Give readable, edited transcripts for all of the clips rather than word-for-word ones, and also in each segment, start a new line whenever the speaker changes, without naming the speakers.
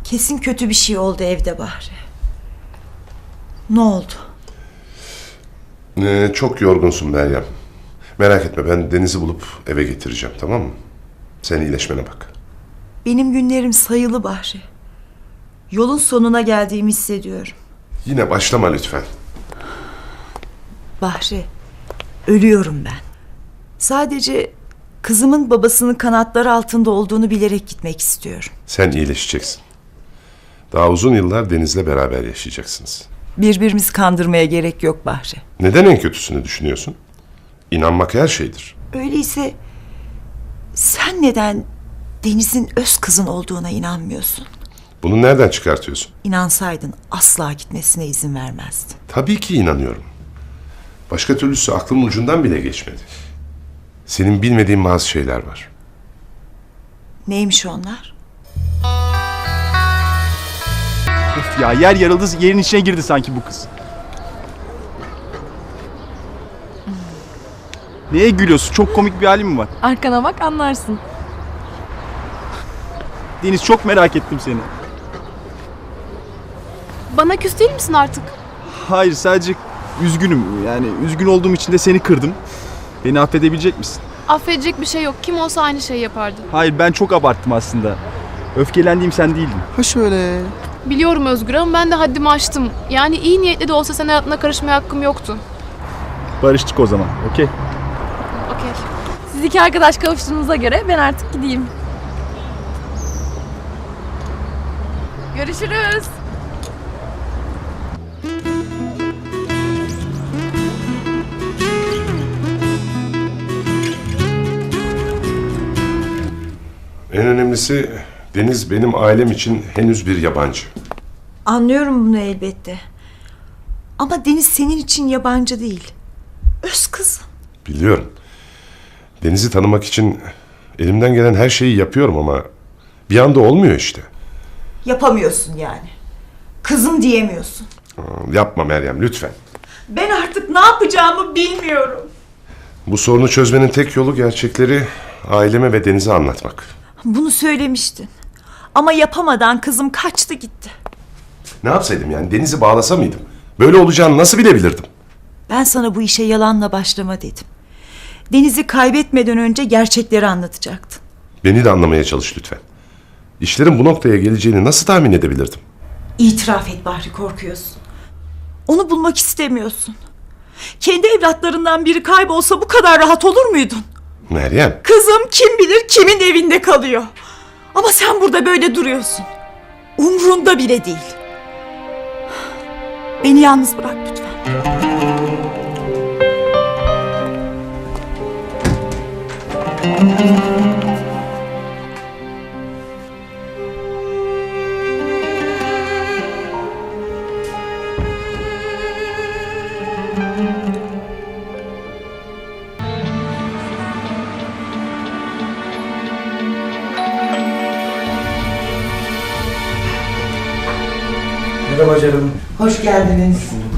Kesin kötü bir şey oldu evde Bahri. Ne oldu?
Çok yorgunsun Meryem. Merak etme, ben Deniz'i bulup eve getireceğim, tamam mı? Sen iyileşmene bak.
Benim günlerim sayılı Bahri. Yolun sonuna geldiğimi hissediyorum.
Yine başlama lütfen.
Bahri, ölüyorum ben. Sadece kızımın babasının kanatları altında olduğunu bilerek gitmek istiyorum.
Sen iyileşeceksin. Daha uzun yıllar Deniz'le beraber yaşayacaksınız.
Birbirimizi kandırmaya gerek yok Bahri.
Neden en kötüsünü düşünüyorsun? İnanmak her şeydir.
Öyleyse sen neden Deniz'in öz kızın olduğuna inanmıyorsun?
Bunu nereden çıkartıyorsun?
İnansaydın asla gitmesine izin vermezdin.
Tabii ki inanıyorum. Başka türlüsü aklımın ucundan bile geçmedi. Senin bilmediğin bazı şeyler var.
Neymiş onlar?
Of ya, yer yarıldı, yerin içine girdi sanki bu kız. Neye gülüyorsun? Çok komik bir halin mi var?
Arkana bak anlarsın.
Deniz, çok merak ettim seni.
Bana küs değil misin artık?
Hayır, sadece üzgünüm. Yani üzgün olduğum için de seni kırdım. Beni affedebilecek misin?
Affedecek bir şey yok. Kim olsa aynı şeyi yapardı.
Hayır, ben çok abarttım aslında. Öfkelendiğim sen değildin. Ha şöyle.
Biliyorum Özgür ama ben de haddimi aştım. Yani iyi niyetli de olsa senin hayatına karışmaya hakkım yoktu.
Barıştık o zaman, okey?
Okey.
Siz iki arkadaş kavuştuğunuza göre ben artık gideyim. Görüşürüz.
En önemlisi Deniz benim ailem için henüz bir yabancı.
Anlıyorum bunu elbette. Ama Deniz senin için yabancı değil. Öz kızın.
Biliyorum. Deniz'i tanımak için elimden gelen her şeyi yapıyorum ama bir anda olmuyor işte.
Yapamıyorsun yani. Kızım diyemiyorsun.
Yapma Meryem, lütfen.
Ben artık ne yapacağımı bilmiyorum.
Bu sorunu çözmenin tek yolu gerçekleri aileme ve Deniz'e anlatmak.
Bunu söylemiştin. Ama yapamadan kızım kaçtı gitti.
Ne yapsaydım yani? Deniz'i bağlasa mıydım? Böyle olacağını nasıl bilebilirdim?
Ben sana bu işe yalanla başlama dedim. Deniz'i kaybetmeden önce gerçekleri anlatacaktın.
Beni de anlamaya çalış lütfen. İşlerin bu noktaya geleceğini nasıl tahmin edebilirdim?
İtiraf et Bahri, korkuyorsun. Onu bulmak istemiyorsun. Kendi evlatlarından biri kaybolsa bu kadar rahat olur muydun?
Meryem.
Kızım kim bilir kimin evinde kalıyor. Ama sen burada böyle duruyorsun. Umrunda bile değil. Beni yalnız bırak lütfen.
Merhaba canım.
Hoş geldiniz.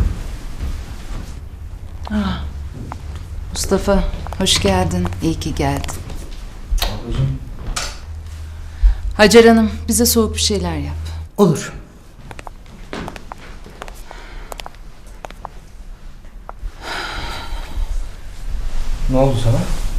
Mustafa, hoş geldin. İyi ki geldin.
Ablacığım.
Hacer Hanım, bize soğuk bir şeyler yap.
Olur.
Ne oldu sana?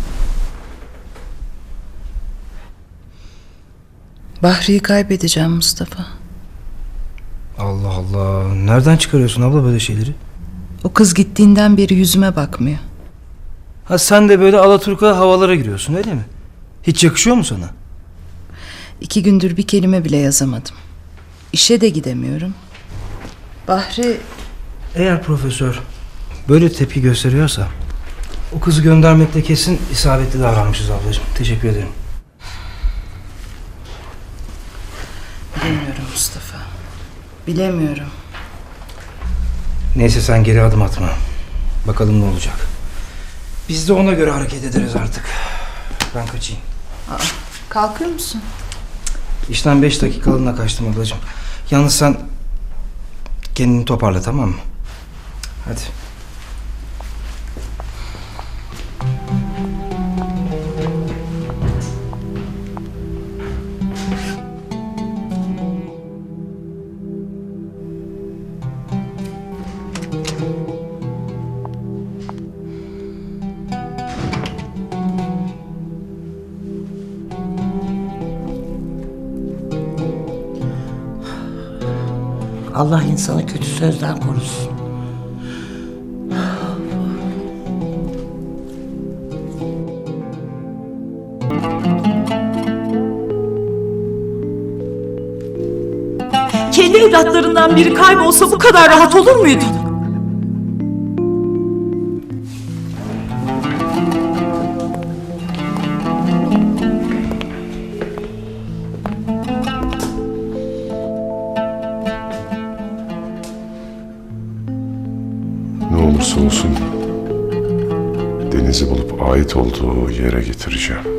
Bahri'yi kaybedeceğim Mustafa.
Allah Allah. Nereden çıkarıyorsun abla böyle şeyleri?
O kız gittiğinden beri yüzüme bakmıyor.
Ha sen de böyle alaturka havalara giriyorsun öyle mi? Hiç yakışıyor mu sana?
2 gündür bir kelime bile yazamadım. İşe de gidemiyorum. Bahri...
Eğer profesör böyle tepki gösteriyorsa o kızı göndermekte kesin isabetli davranmışız ablacığım. Teşekkür ederim.
Bilemiyorum Mustafa. Bilemiyorum.
Neyse sen geri adım atma. Bakalım ne olacak. Biz de ona göre hareket ederiz artık. Ben kaçayım.
Kalkıyor musun?
İşten 5 dakikalığına kaçtım ablacığım. Yalnız sen kendini toparla, tamam mı? Hadi.
Allah insanı kötü sözden korusun.
Kendi evlatlarından biri kaybolsa bu kadar rahat olur muydun?
Ne olursa olsun Deniz'i bulup ait olduğu yere getireceğim.